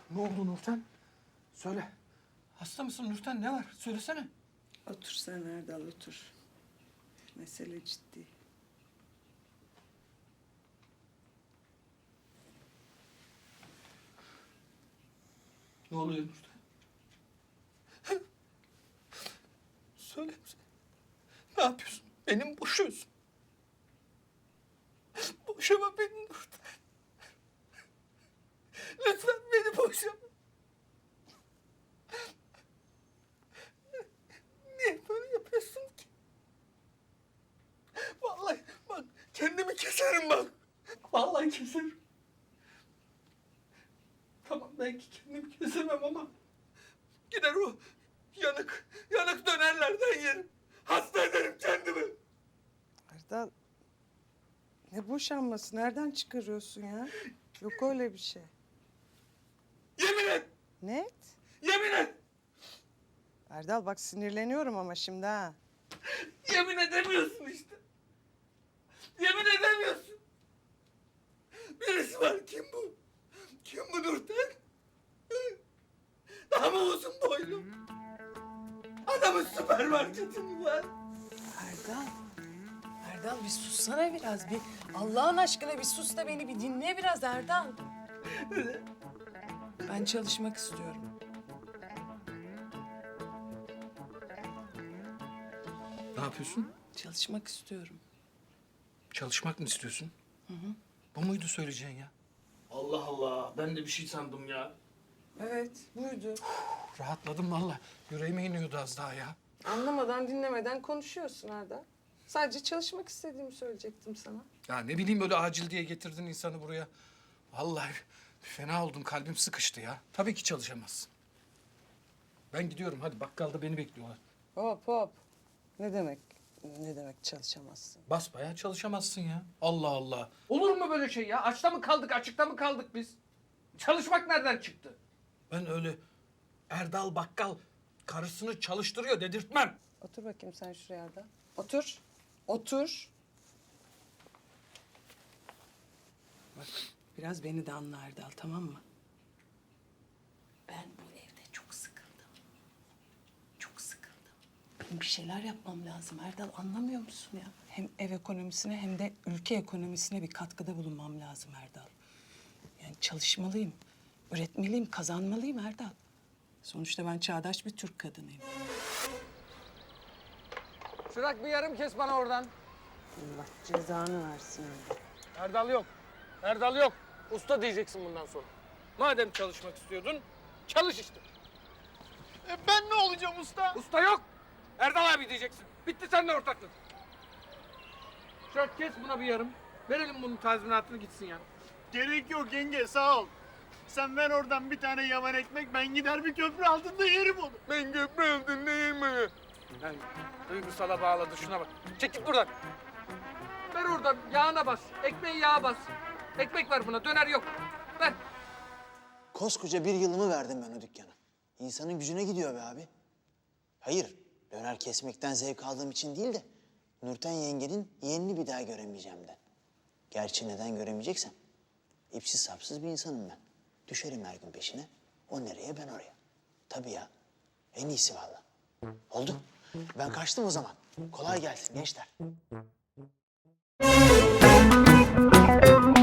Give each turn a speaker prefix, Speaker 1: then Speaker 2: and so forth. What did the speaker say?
Speaker 1: Ne oldu Nurten? Söyle. Hasta mısın Nurten? Ne var? Söylesene.
Speaker 2: Otur sen Erdal, otur. Mesele ciddi.
Speaker 1: Ne oluyor Nurten? Söyle. Ne yapıyorsun? Beni mi boşuyorsun? Boşama beni Nurten. Lütfen beni boşama. Niye böyle yapıyorsun ki? Vallahi bak kendimi keserim bak. Vallahi keserim. Tamam belki kendimi kesemem ama gider o yanık dönerlerden yerim. Hasta ederim kendimi.
Speaker 2: Erdal, ne boşanması? Nereden çıkarıyorsun ya? Yok öyle bir şey.
Speaker 1: Yemin et.
Speaker 2: Net.
Speaker 1: Yemin et.
Speaker 2: Erdal bak sinirleniyorum ama şimdi ha.
Speaker 1: Yemin edemiyorsun işte. Yemin edemiyorsun. Birisi var. Kim bu? Kim bu Nurten? Daha mı uzun boylu? Adamın süpermarketi mi var?
Speaker 3: Erdal. Erdal bir sussana biraz. Bir Allah'ın aşkına bir sus da beni bir dinle biraz Erdal. Ben çalışmak istiyorum.
Speaker 1: Ne yapıyorsun?
Speaker 3: Çalışmak istiyorum.
Speaker 1: Çalışmak mı istiyorsun? Bu muydu söyleyeceğin ya? Allah Allah. Ben de bir şey sandım ya.
Speaker 2: Evet, buydu.
Speaker 1: Rahatladım vallahi. Yüreğime iniyordu az daha ya.
Speaker 2: Anlamadan, dinlemeden konuşuyorsun Erdal. Sadece çalışmak istediğimi söyleyecektim sana.
Speaker 1: Ya ne bileyim böyle acil diye getirdin insanı buraya. Vallahi fena oldum. Kalbim sıkıştı ya. Tabii ki çalışamazsın. Ben gidiyorum. Hadi bakkalda beni bekliyorlar.
Speaker 2: Hop hop. Ne demek? Ne demek çalışamazsın?
Speaker 1: Basbayağı çalışamazsın ya. Allah Allah. Olur mu böyle şey ya? Açta mı kaldık, açıkta mı kaldık biz? Çalışmak nereden çıktı? Ben öyle Erdal Bakkal karısını çalıştırıyor dedirtmem.
Speaker 2: Otur bakayım sen şuraya Erdal. Otur. Otur. Bak biraz beni de anla Erdal, tamam mı? Ben bu evde çok sıkıldım. Çok sıkıldım. Benim bir şeyler yapmam lazım Erdal, anlamıyor musun ya? Hem ev ekonomisine hem de ülke ekonomisine bir katkıda bulunmam lazım Erdal. Yani çalışmalıyım, üretmeliyim, kazanmalıyım Erdal. Sonuçta ben çağdaş bir Türk kadınıyım.
Speaker 4: Şurak bir yarım kes bana oradan.
Speaker 2: Allah cezanı versin Erdal.
Speaker 4: Erdal yok. Erdal yok. Usta diyeceksin bundan sonra. Madem çalışmak istiyordun, çalış işte.
Speaker 5: Ben ne olacağım usta?
Speaker 4: Usta yok. Erdal abi diyeceksin. Bitti seninle ortaklık. Şurak kes buna bir yarım. Verelim bunun tazminatını gitsin ya.
Speaker 5: Gerek yok yenge sağ ol. Sen ver oradan bir tane yavan ekmek ben gider bir köprü altında yerim onu.
Speaker 4: Ben köprü altında yerim. Yani duygusala bağladı şuna bak. Çekil buradan. Ver oradan yağına bas. Ekmeği yağa bas. Ekmek ver buna döner yok. Ver.
Speaker 6: Koskoca bir yılımı verdim ben o dükkana. İnsanın gücüne gidiyor be abi. Hayır, döner kesmekten zevk aldığım için değil de... ...Nurten yengenin yeğenini bir daha göremeyeceğim de. Gerçi neden göremeyeceksem... ...ipsiz sapsız bir insanım ben. Düşerim her gün peşine. O nereye ben oraya. Tabii ya. En iyisi vallahi. Oldu. Ben kaçtım o zaman. Kolay gelsin gençler.